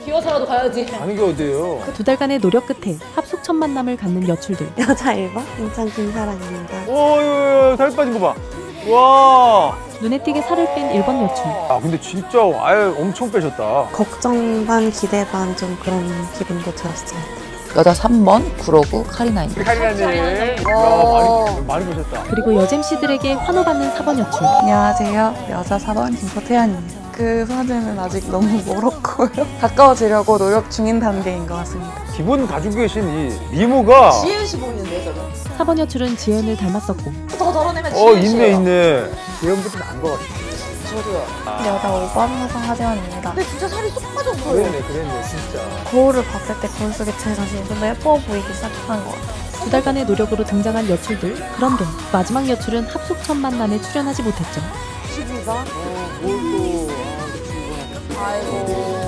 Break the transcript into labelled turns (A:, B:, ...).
A: 기어서라도 가야지.
B: 가는 게 어디예요?
C: 2달간의 노력 끝에 합숙 첫 만남을 갖는 여출들.
D: 여자 1번 인천 김사랑입니다.
B: 오, 살 빠진 거 봐. 와.
C: 눈에 띄게 살을 뺀 1번 여출.
B: 아, 근데 진짜 아예 엄청 빼셨다.
D: 걱정 반 기대 반 좀 그런 기분도 들었습니다.
E: 여자 3번 구로구 카리나입니다.
B: 카리나님.
A: 와.
B: 야, 많이 보셨다.
C: 그리고 여잼씨들에게 환호받는 4번 여출.
E: 안녕하세요. 여자 4번 김포태연입니다. 그 사진은 아직 너무 멀었고요. 가까워지려고 노력 중인 단계인 것 같습니다.
B: 기본 가지고 계신 이 미모가.
A: 지혜은 씨 보이는데 저는.
C: 4번 여출은 지연을 닮았었고
A: 더 덜어내면 지혜은 씨예요.
B: 있네. 예전부터 나은 것 같아.
A: 저도요.
D: 여자 5번 화성 하재원입니다.
A: 근데 진짜 살이 쏙 빠졌어요.
B: 그랬네, 진짜.
D: 거울을 봤을 때 거울 속에 제 자신이 좀 더 예뻐 보이기 시작한 것 같아요.
C: 2달간의 노력으로 등장한 여출들. 그런데 마지막 여출은 합숙 첫 만남에 출연하지 못했죠.
A: 12번? 아이고.